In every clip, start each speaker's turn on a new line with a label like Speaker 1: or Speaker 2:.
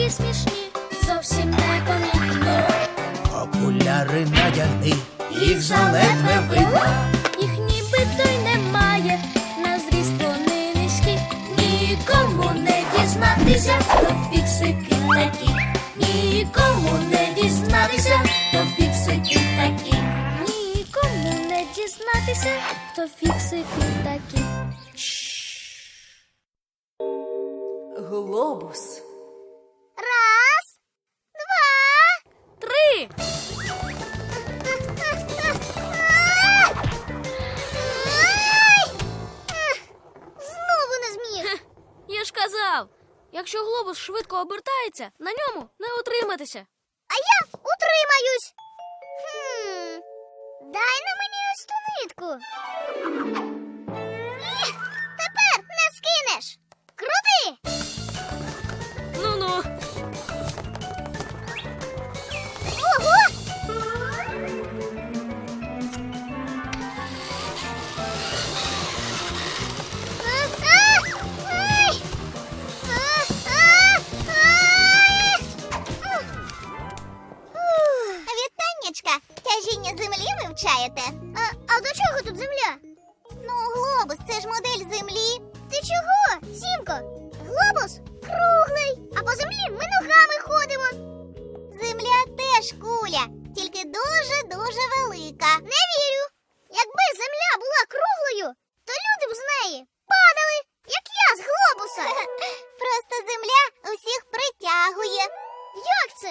Speaker 1: такі смішні, зовсім непомітні.
Speaker 2: Окуляри надягни, їх заледве видно.
Speaker 1: Їх нібито й немає, на зріст вони низькі. Нікому не дізнатися, то фіксики такі. Нікому не дізнатися, то фіксики такі. Нікому не дізнатися, то фіксики такі.
Speaker 3: Глобус.
Speaker 4: Раз, два.
Speaker 1: 3.
Speaker 4: Знову не зміг.
Speaker 1: Я ж казав, якщо глобус швидко обертається, на ньому не утриматися.
Speaker 4: А я утримаюсь. Дай на мені ось ту нитку. Тепер не скинеш. Крути.
Speaker 1: Ну-ну.
Speaker 4: Ого! Вітаннячка, тяжіння землі вивчаєте? А до чого тут земля? Ну, глобус, це ж модель землі. Ти чого, Сімко? Глобус круглий, а по землі ми ногами ходимо. Земля теж куля, тільки дуже-дуже велика. Не вірю. Якби земля була круглою, то люди б з неї падали, як я з глобуса. Просто земля усіх притягує. Як це?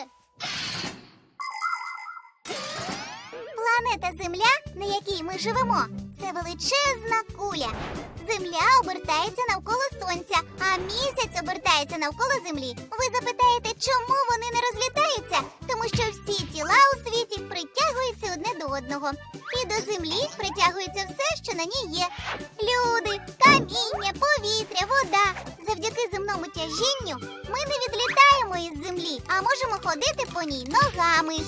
Speaker 4: Планета Земля, на якій ми живемо, це величезна куля. Земля обертається навколо Сонця, а місяць обертається навколо Землі. Ви запитаєте, чому вони не розлітаються? Тому що всі тіла у світі притягуються одне до одного. І до Землі притягується все, що на ній є. Люди, каміння, повітря, вода. Завдяки земному тяжінню ми не відлітаємо із Землі, а можемо ходити по ній ногами.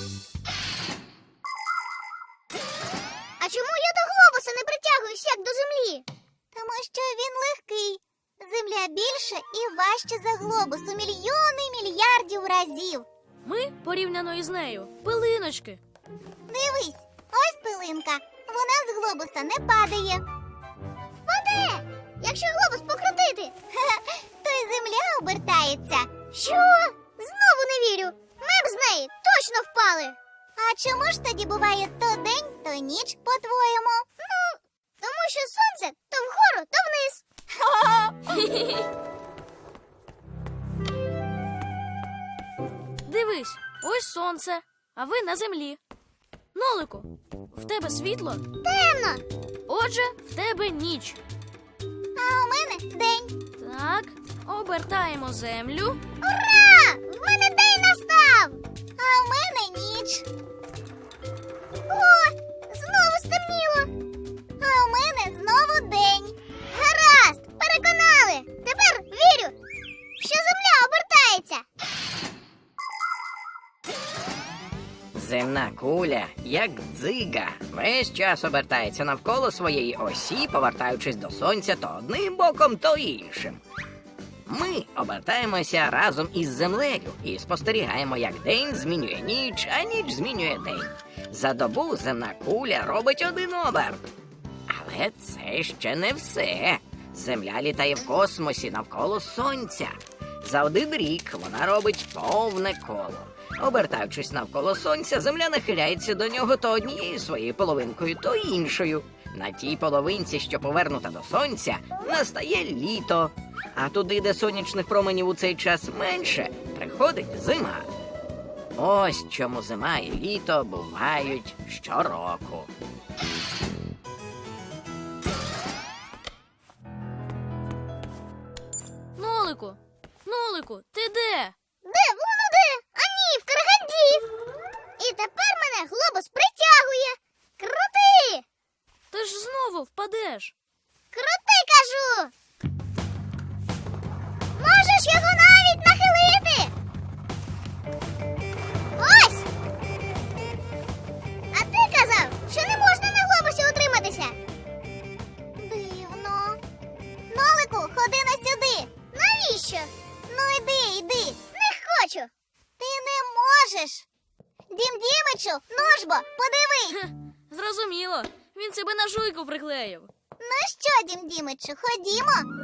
Speaker 4: А чому я до глобуса не притягуюсь, як до землі? Тому що він легкий. Земля більше і важче за глобус у мільйони мільярдів разів.
Speaker 1: Ми, порівняно із нею, пилиночки.
Speaker 4: Дивись, ось пилинка. Вона з глобуса не падає. Впаде, якщо глобус покрутити. То й земля обертається. Що? Знову не вірю. Ми б з неї точно впали. А чому ж тоді буває то день, то ніч, по-твоєму? Ну, тому що сонце то вгору, то вниз.
Speaker 1: Дивись, ось сонце, а ви на землі. Нолику, в тебе світло,
Speaker 4: Темно,
Speaker 1: отже, в тебе ніч.
Speaker 4: а у мене день.
Speaker 1: Так, обертаємо землю.
Speaker 4: Ура! В мене день настав! А в мене ніч. О, знову стемніло. А у мене знову день. Гаразд, переконали. Тепер вірю, що земля обертається.
Speaker 5: Земна куля, як дзига, весь час обертається навколо своєї осі, повертаючись до сонця то одним боком, то іншим. Ми обертаємося разом із землею і спостерігаємо, як день змінює ніч, а ніч змінює день. За добу земна куля робить один оберт. Але це ще не все. Земля літає в космосі навколо сонця. За один рік вона робить повне коло. Обертаючись навколо сонця, земля нахиляється до нього то однією своєю половинкою, то іншою. На тій половинці, що повернута до сонця, настає літо. А туди, де сонячних променів у цей час менше, приходить зима. Ось чому зима і літо бувають щороку.
Speaker 1: Нолику, ти де?
Speaker 4: Де? Воно де? А ні, в Караганді. І тепер мене глобус притягує. Крути!
Speaker 1: Ти ж знову впадеш.
Speaker 4: Крути, кажу! Можеш його навіть нахилити? Ось! А ти казав, що не можна на глобусі утриматися. Дивно. Нолику, ходи на сюди. Навіщо? Ну йди. Не хочу. Ти не можеш. Дім Дімичу, ножбо, подивись.
Speaker 3: Зрозуміло. Він себе на жуйку приклеїв.
Speaker 4: Ну що, Дім Дімичу, ходімо.